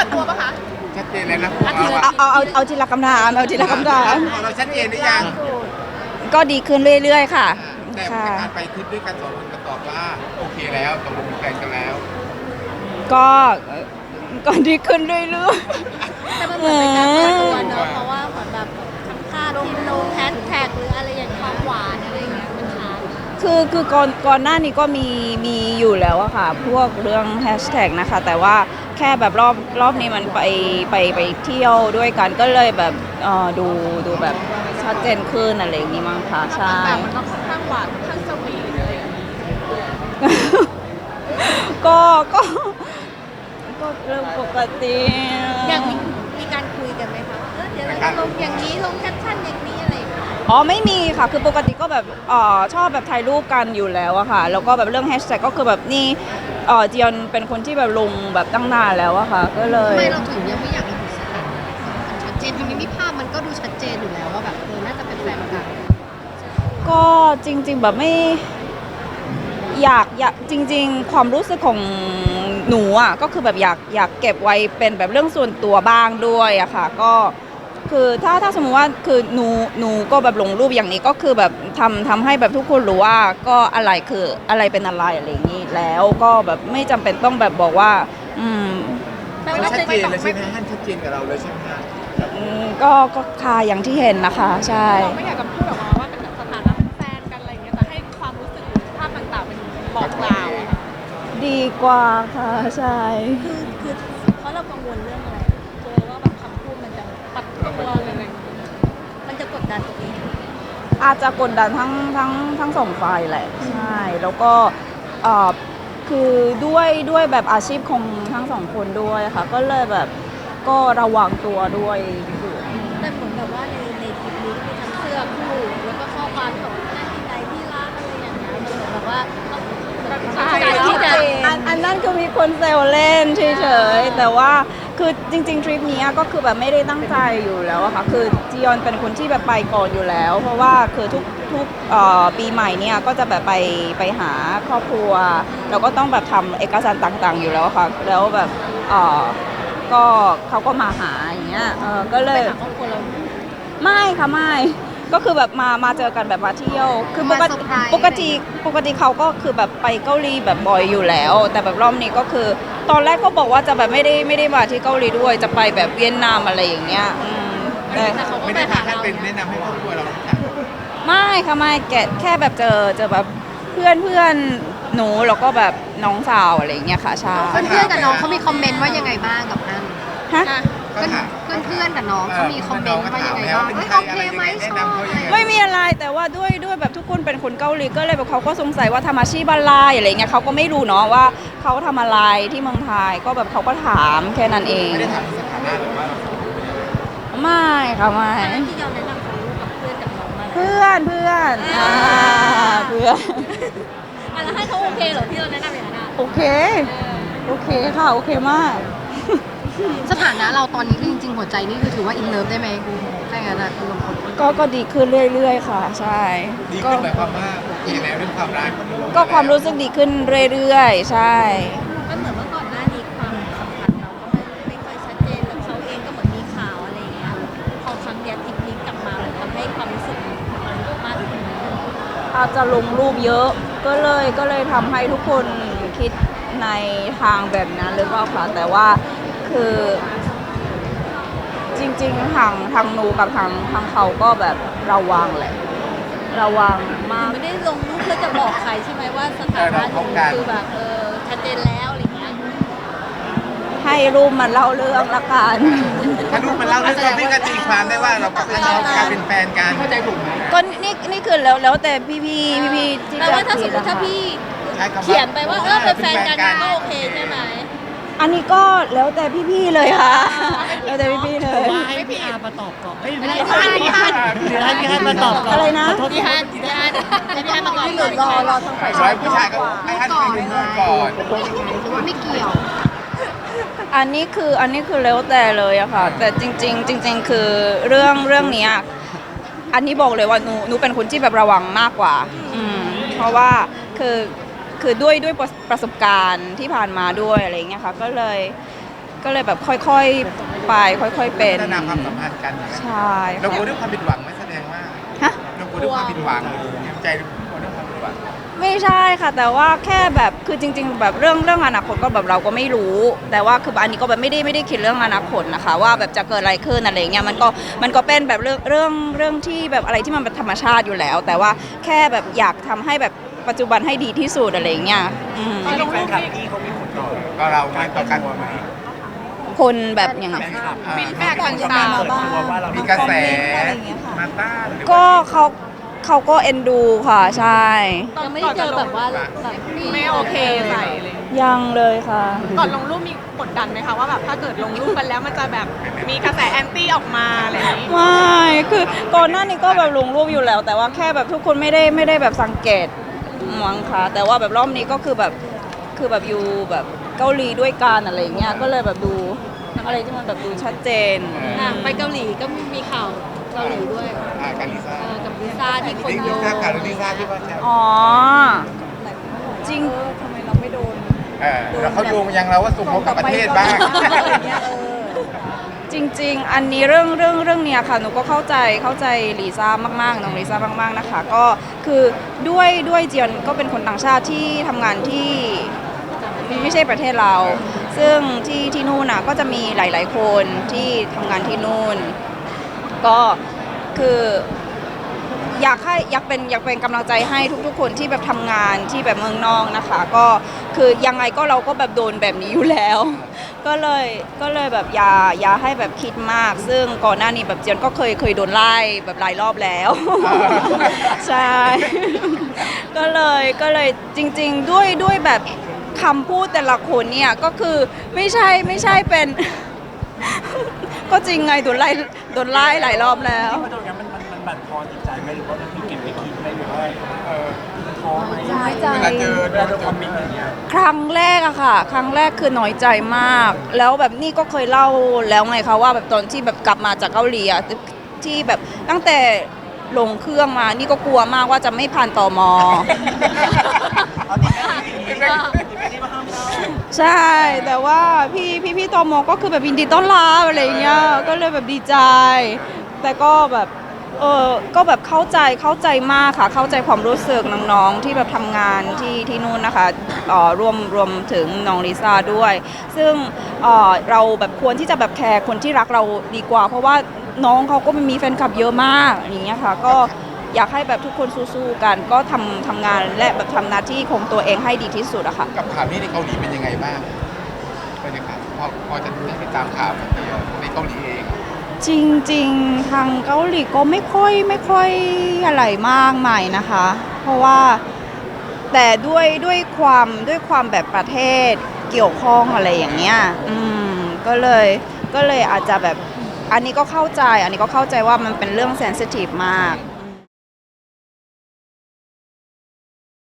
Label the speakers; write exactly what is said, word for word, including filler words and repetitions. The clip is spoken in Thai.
Speaker 1: ตัวปะคะ
Speaker 2: ชัดเจนเลยนะ
Speaker 3: เอาเอาเอาเอาทีละคำถามเอาทีละคำถาม
Speaker 2: ของเราชัดเจนหรือยัง
Speaker 3: ก็ดีขึ้นเรื่อยๆค่ะ
Speaker 2: แต่
Speaker 3: ค่ะ
Speaker 2: การไปทริปด้วยกันสองคนก็ตอบว่าโอเคแล้วตกลงเป็นแฟนกันแล้ว
Speaker 3: ก็ก็ดีขึ้นเรื่อย
Speaker 1: แต่มันเหมือนเป็นการเปิดตัวเนอะเพราะว่าเหมือนแบบทำค่าลงลงแฮชแท็กหรืออะไรอย่างความหวานอะไรอย่างเงี้ยมันช้า
Speaker 3: ๆคือคือก่อนก่อนหน้านี้ก็มีมีอยู่แล้วอะค่ะ พวกเรื่องแฮชแท็กนะคะ แต่ว่าแค่แบบรอบรอบนี้มันไปไปไปเที่ยวด้วยกันก็เลยแบบเออดูดูแบบชัดเจนขึ้นอะไรอย่างนี้มั้งคะใช่
Speaker 1: แต่มันก็ค่อนข้างหวานค่อนข้างสวีทอะไรอย่างเงี้ย
Speaker 3: ก็ก็ก็เรื่องปกติ
Speaker 1: อย่างมีมีการคุยกันไหมคะว่าเออเดี๋ยวเราจะลงอย่างนี้ลงแคปชั่นอย่างนี้อะไรอย่างเงี้ย
Speaker 3: อ๋อไม่มีค่ะคือปกติก็แบบเอ่อชอบแบบถ่ายรูปกันอยู่แล้วอะค่ะแล้วก็แบบเรื่องแฮชแท็กก็คือแบบนี่เอ่อจียอนเป็นคนที่แบบลงแบบตั้งนานแล้วอะค่ะก็เลย
Speaker 4: ทำไมเราถึงยังไม่อยากระบุสถานะมันชัดเจนทำไมไม่ภาพมันก็ดูชัดเจนอยู่แล้วว่าแบบเออน่าจะเป็นแฟนกัน
Speaker 3: ก็จริง ๆแบบไม่อยากอยากจริง ๆ ความรู้สึกของหนูอ่ะก็คือแบบอยากอยากเก็บไว้เป็นแบบเรื่องส่วนตัวบ้างด้วยอะค่ะก็คือถ้าถ้าสมมติว่าคือหนูหนูก็แบบลงรูปอย่างนี้ก็คือแบบทำทำให้แบบทุกคนรู้ว่าก็อะไรคืออะไรเป็นอะไรอะไรอย่างนี้แล้วก็แบบไม่จำเป็นต้องแบบบอกว่าอืม
Speaker 1: แปล
Speaker 2: มัน
Speaker 1: ว่า
Speaker 2: ชัด
Speaker 1: จะ
Speaker 2: เจ
Speaker 1: ไม่
Speaker 2: น
Speaker 1: ต้อง
Speaker 2: เลยใช่
Speaker 1: ไม่
Speaker 2: ไหมฮั่นชัดเจนกับเราเลยใช่ไหมฮะ
Speaker 3: อืมก็ก็ค่ะอย่างที่เห็นนะคะใช่
Speaker 1: เราไม่อยากจะพูดออกมาว่าเป็นสถานะเป็นแฟนกันอะไรอย่างเงี้ยแต่ให้ความรู้สึกหรือภาพต่างๆเป็นบอกกล่าวอะค่ะ
Speaker 3: ดีกว่าค่ะใช่
Speaker 1: คือคือเพราะเรากังวลเรื่องอะไรกลัวว่าแบบคำพูดมันจะปัดตัวหรืออะไรอย่างเงี้ยมันจะกดดันตัวเอง
Speaker 3: อาจจะกดดันทั้งทั้งทั้งสองฝ่ายแหละใช่แล้วก็เอ่อคือด้วยด้วยแบบอาชีพของทั้งสองคนด้วยค่ะก็เลยแบบก็ระวังตัวด้วย
Speaker 1: แต่เหมือนแบบว่าในในคลิปนี้มีทั้งเสื้อคู่แล้วก็ข้อความที่บอกว่าหน้าที่ใดที่รักอะไรอย่างเงี้ยมันเหมือนแบบว่าต้องการที่จะ
Speaker 3: อันอันนั้นคือมีคนเซลเล่นเฉยๆแต่ว่าคือจริงๆทริปนี้ก็คือแบบไม่ได้ตั้งใจอยู่แล้วอะค่ะคือจียอนเป็นคนที่แบบไปก่อนอยู่แล้ว เพราะว่าคือทุกทุกเอ่อปีใหม่เนี่ยก็จะแบบไปไปหาครอบครัวแล้วก็ต้องแบบทำเอกสารต่างๆอยู่แล้วค่ะแล้วแบบเอ่อก็เขาก็มาหาอย่างเงี้ยเออก็เลย
Speaker 1: ไปหาครอบครัวเรา
Speaker 3: ไม่ค่ะไม่ก็คือแบบมามาเจอกันแบบมาเที่ยวคือปก
Speaker 4: มาเซ
Speaker 3: ติ
Speaker 4: อร์ไพรส์
Speaker 3: ปกติปกติเขาก็คือแบบไปเกาหลีแบบบ่อยอยู่แล้ว แต่แบบรอบนี้ก็คือ ตอนแรกก็บอกว่าจะแบบไม่ได้ไม่ได้มาที่เกาหลีด้วยจะไปแบบเวียดนามอะไรอย่างเงี้ยอืมแต่
Speaker 1: แต่เขาก็
Speaker 2: ไม่
Speaker 1: ไป
Speaker 2: ได้
Speaker 1: หา
Speaker 2: พาท่าน
Speaker 1: เรา
Speaker 2: เป็นแนะนำให้ครอบครัวเรารู้จัก
Speaker 3: ไม่ค่ะไม่แกแค่แบบเจอเจอแบบเพื่อนเพื่อนหนูแล้วก็แบบน้องสาวอะไรอย่างเงี้ยค่ะใช่
Speaker 4: เพื่อนๆกับน้องเขามีคอมเมนต์ว่ายังไงบ้างกับอัน
Speaker 3: ฮะ
Speaker 1: อ่ะ
Speaker 4: เพื่อนเพื่อนๆกับน้องเขามีคอมเมนต์ว่ายังไงบ้างเฮ้ยโอเคไหมชอบอะไร
Speaker 3: ไม่มีอะไรแต่ว่าด้วยด้วยแบบทุกคนเป็นคนเกาหลีก็เลยแบบเขาก็สงสัยว่าทำอาชีพอะไรอะไรเงี้ยเขาก็ไม่รู้เนาะว่าเขาทำอะไรที่เมืองไทยก็แบบเขาก็ถามแค่นั้นเอง
Speaker 2: ไม่ได้ถามสถานะหรือว่าเรา
Speaker 3: ไม่ค่ะไม่
Speaker 1: อันนั้นที่เราแนะนำเขากับเพื่อนกับน้องมาแล้ว
Speaker 3: เพื่อนเพื่อนอ่าเพื่อน
Speaker 1: อ่ะแล้วให้เขาโอเคเหรอที่เราแนะนำอย่างนั้นอ่ะ
Speaker 3: โอเคโอเคค่ะโอเคมาก
Speaker 4: สถานะเราตอนนี้คือจริงๆหัวใจนี่คือถือว่าอินเลิฟได้ไหมถ้าอย่างนั้นอะคุณลงคน
Speaker 3: ก็ก็ดีขึ้นเรื่อยๆค่ะใช่
Speaker 2: ดี
Speaker 3: ก็
Speaker 2: ขึ้นหมายความว่าโอเคแล้วเรื่องความรัก
Speaker 3: ก็ความรู้สึกดีขึ้นเรื่อยๆ ใช่
Speaker 1: มันเหมือนว่าก่อนหน้านี้ความสัมพันธ์เราก็ไม่ไม่ค่อยชัดเจนแล้วเขาเองก็เหมือนมีข่าวอะไรอย่างเงี้ยพอครั้งเนี้ยทริปนี้กลับมามันทำให้ความรู้สึกมันมากขึ้น
Speaker 3: อาจจะลงรูปเยอะก็เลยก็เลยทำให้ทุกคนคิดในทางแบบนั้นหรือเปล่าคะแต่ว่าคือจริงๆทางทางหนูกับทางทางเขาก็แบบระวังแหละ ระวังมาก
Speaker 1: ไม่ได้ลงรูปเพื่อจะบอกใครใช่ไหมว่าสถานะหนูคือแบบเออชัดเจนแล้วอะไรอย่างเงี้ย
Speaker 3: ให้รูปมันเล่าเรื่องละกัน
Speaker 2: ถ้ารูปมันเล่าเรื่องเราพี่ก็ตีความได้ว่าเรากับท่านน้องกลายเป็นแฟนกันเข้าใจถูกไหม
Speaker 3: ก็นี่นี่คือแล้วแล้วแต่พี่พี่พี่พี่ๆที่
Speaker 1: แปล
Speaker 3: จะ
Speaker 1: ว่าถ้าสมมติ
Speaker 3: คิด
Speaker 1: ถ้า
Speaker 3: นะคะ
Speaker 1: พี่
Speaker 2: ใช้คำว่า
Speaker 1: เขียนไปว่าเออเป็นแฟนกันก็โอเคใช่ไหม
Speaker 3: อันนี้ก็แล้วแต่พี่พี่ๆเลยค่ะ แล้วแต่พี่พี่ๆเลย
Speaker 5: ว่าให้พี่อาร์มาตอบก่อนไม่
Speaker 1: ไม่
Speaker 5: ไม่
Speaker 1: ได้
Speaker 5: ได้
Speaker 1: พี่ฮันพี่ฮัน
Speaker 5: หรือให้พี่อาร์มาตอบก่อน
Speaker 3: อะไรนะ
Speaker 5: ขอโทษ
Speaker 1: พี่ฮันพี่ฮันพี่ฮันมาก่อน
Speaker 3: หรือรอรอทางฝ่าย
Speaker 2: ร้อยผู้ชายก็ให้ท่านเป็นคนก่อน
Speaker 4: หรือว่าไม่เกี่ยว
Speaker 3: อันนี้คืออันนี้คือแล้วแต่เลยอะค่ะ แต่จริง ๆ จริง ๆ คือเรื่องเรื่องเนี้ยอันนี้บอกเลยว่าหนูหนูเป็นคนที่แบบระวังมากกว่า อืมเพราะว่าคือคือด้วยด้วยประประสบการณ์ที่ผ่านมาด้วยอะไรอย่างเงี้ยค่ะก็เลยก็เลยแบบค่อยๆไปค่อย ๆ เป็น
Speaker 2: พัฒนาความสัมพันธ์กันนะ
Speaker 3: ใช่
Speaker 2: เรากลัว
Speaker 3: ค่ะ
Speaker 2: เรื่องความผิดหวังไหมแสดงว่า
Speaker 3: ฮะ
Speaker 2: เรากลัวเรื่องความผิดหวังเตรียมใจกลัวเรื่องความผิดหวัง
Speaker 3: ไม่ใช่ค่ะ แต่ว่าแค่แบบคือจริง ๆ แบบเรื่องเรื่องอนาคตก็แบบเราก็ไม่รู้ แต่ว่าคืออันนี้ก็แบบไม่ได้ไม่ได้คิดเรื่องอนาคตนะคะ ว่าแบบจะเกิดอะไรขึ้นอะไรเงี้ยมันก็มันก็เป็นแบบเรื่องเรื่องเรื่องที่แบบอะไรที่มันเป็นธรรมชาติอยู่แล้ว แต่ว่าแค่แบบอยากทำให้แบบปัจจุบันให้ดีที่สุดอะไรเงี้ยอืม
Speaker 5: ที่แฟนคลับพี่เขามีผลต่อ
Speaker 2: ก็เราไม่ต่อกัน
Speaker 5: ไหม
Speaker 3: คนแบบอย่างไง
Speaker 2: ฟีด
Speaker 1: แบกต่างๆบ้าง
Speaker 5: ว่าเรา
Speaker 2: มีกระแส
Speaker 1: อะไรอย่างเงี้ยค่ะ
Speaker 2: มาต้านหรือว่า
Speaker 3: ก็เขาเขาก็เอ็นดูค่ะใช่
Speaker 1: ยังไม่ได้เจอแบบว่าแบบ
Speaker 6: ไม่โอเคใส่เลย
Speaker 3: ยังเลยค่ะ
Speaker 6: ก่อนลงรูปมีกดดันไหมคะว่าแบบถ้าเกิดลงรูปกันแล้วมันจะแบบมีกระแสแอนตี้ออกมาอะไรอย่างนี้
Speaker 3: ไม่คือก่อนหน้านี้ก็แบบลงรูปอยู่แล้ว แต่ว่าแค่แบบทุกคนไม่ได้ไม่ได้แบบสังเกตมั้งค่ะแต่ว่าแบบรอบนี้ก็คือแบบคือแบบอยู่แบบเกาหลีด้วยกันอะไรอย่างเงี้ยก็เลยแบบดูอะไรที่มันแบบดูชัดเจน
Speaker 1: อ่ะไปเกาหลีก็มีข่าวเกาหลีด้วย
Speaker 2: อ่าการลิซ่า
Speaker 1: เออกับลิซ่าที่คน
Speaker 2: ลิ
Speaker 1: โยง
Speaker 2: ซ่ากับลิซ่าที่ว่าแซว
Speaker 3: อ๋อจริง
Speaker 1: ทำไมเราไม่โดน
Speaker 2: เออแล้วเขาโยงมายังเราว่าส่งเขากับประเทศบ้าง
Speaker 1: อะไรเงี้ยเออ
Speaker 3: จริง ๆ อันนี้เรื่องเรื่องเรื่องเนี้ยค่ะหนูก็เข้าใจเข้าใจลิซ่ามากๆน้องลิซ่ามากๆนะคะ ก็คือด้วยด้วยเจียนก็เป็นคนต่างชาติที่ทำงานที่ไม่ใช่ประเทศเรา ซึ่งที่ที่นู่นน่ะก็จะมีหลาย ๆ คนที่ทำงานที่นู่น ก็คืออยากให้อยากเป็นอยากเป็นกำลังใจให้ทุกๆ คนที่แบบทำงานที่แบบเมืองนอกนะคะ ก็คือยังไงก็เราก็แบบโดนแบบนี้อยู่แล้ว ก็เลยก็เลยแบบอย่าอย่าให้แบบคิดมาก ซึ่งก่อนหน้านี้แบบเจียนก็เคยเคยโดนไล่แบบหลายรอบแล้ว ใช่ ก็เลยก็เลยจริง ๆ ด้วยด้วยแบบคำพูดแต่ละคนเนี่ยก็คือไม่ใช่ไม่ใช่เป็น ก็จริงไงโดนไล่โดนไล่หลายรอบแล้ว
Speaker 5: ที่มาตรงนี้มันมันมันบั่นทอนจิตใจไหมหรือว่ามันเก็บไปคิดไหมหรือว่าเออท้อไหม
Speaker 1: น้อยใจ
Speaker 2: เวลาเจอ
Speaker 5: เวลาโดนคอมเมนต์อย่างเงี้ย
Speaker 3: ครั้งแรกอะค่ะ ครั้งแรกคือน้อยใจมาก แล้วแบบนี่ก็เคยเล่าแล้วไงคะว่าแบบตอนที่แบบกลับมาจากเกาหลีอะที่แบบตั้งแต่ลงเครื่องมานี่ก็กลัวมากว่าจะไม่ผ่านตม ใช่ แต่ว่าพี่พี่พี่ตมก็คือแบบยินดีต้อนรับอะไรอย่างเงี้ยก็เลยแบบดีใจ แต่ก็แบบเออก็แบบเข้าใจเข้าใจมากค่ะเข้าใจความรู้สึกน้องๆที่แบบทำงานที่ที่นู่นนะคะเอ่อรวมรวมถึงน้องลิซ่าด้วย ซึ่งเอ่อเราแบบควรที่จะแบบแคร์คนที่รักเราดีกว่า เพราะว่าน้องเขาก็มีแฟนคลับเยอะมากอย่างเงี้ยค่ะก็อยากให้แบบทุกคนสู้ๆกัน ก็ทำทำงานและแบบทำหน้าที่ของตัวเองให้ดีที่สุดอะค่ะ
Speaker 2: กับข่าวนี้ในเกาหลีเป็นยังไงบ้างบรรยากาศพอพอจะได้ติดตามข่าวแบบนี้ในเกาหลีเอง
Speaker 3: จริงๆ ทางเกาหลีก็ไม่ค่อยไม่ค่อยอะไรมากมายนะคะ เพราะว่าแต่ด้วยด้วยความด้วยความแบบประเทศเกี่ยวข้องอะไรอย่างเงี้ยอืมก็เลยก็เลยอาจจะแบบอันนี้ก็เข้าใจ อันนี้ก็เข้าใจว่ามันเป็นเรื่องเซนซิทีฟมาก